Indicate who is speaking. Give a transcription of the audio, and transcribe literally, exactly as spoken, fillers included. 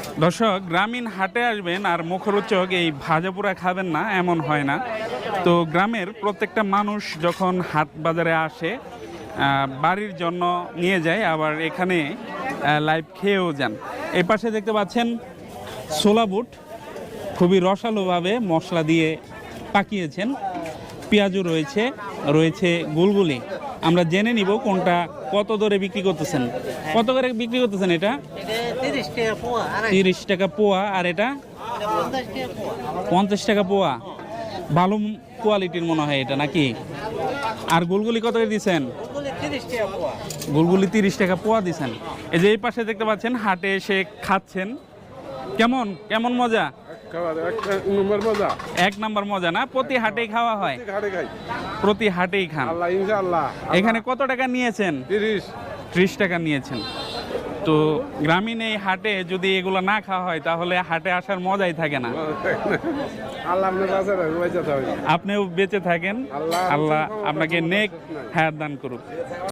Speaker 1: দর্শক, গ্রামীণ হাটে আসবেন আর মুখরোচক এই ভাজাপুরা খাবেন না এমন হয় না। তো গ্রামের প্রত্যেকটা মানুষ যখন হাট বাজারে আসে আহ, বাড়ির জন্য নিয়ে যায়, আবার এখানে লাইভ খেয়েও যান। এই পাশে দেখতে পাচ্ছেন ছোলা বুট, খুবই রসালোভাবে মশলা দিয়ে পাকিয়েছেন। পেঁয়াজও রয়েছে, রয়েছে গুলগুলি। আমরা জেনে নিব কোনটা কত দরে বিক্রি করতেছেন। কত করে বিক্রি করতেছেন এটা? তিরিশ টাকা পোয়া। আর এটা পঞ্চাশ টাকা পোয়া। ভালো কোয়ালিটির মনে হয় এটা, নাকি? আর গুলগুলি কত করে দিচ্ছেন? গুলগুলি তিরিশ টাকা পোয়া দিচ্ছেন। এই যে এই পাশে দেখতে পাচ্ছেন হাটে এসে খাচ্ছেন। কেমন কেমন মজা? এক নাম্বার মজা না? প্রতি হাটেই খাওয়া হয়? প্রতি হাটেই খান? এখানে কত টাকা নিয়েছেন? ত্রিশ টাকা নিয়েছেন। তো গ্রামীণ এই হাটে যদি এগুলো না খাওয়া হয় তাহলে হাটে আসার মজাই থাকে না। আপনিও বেঁচে থাকেন, আল্লাহ আপনাকে নেক হায়াত দান করুক।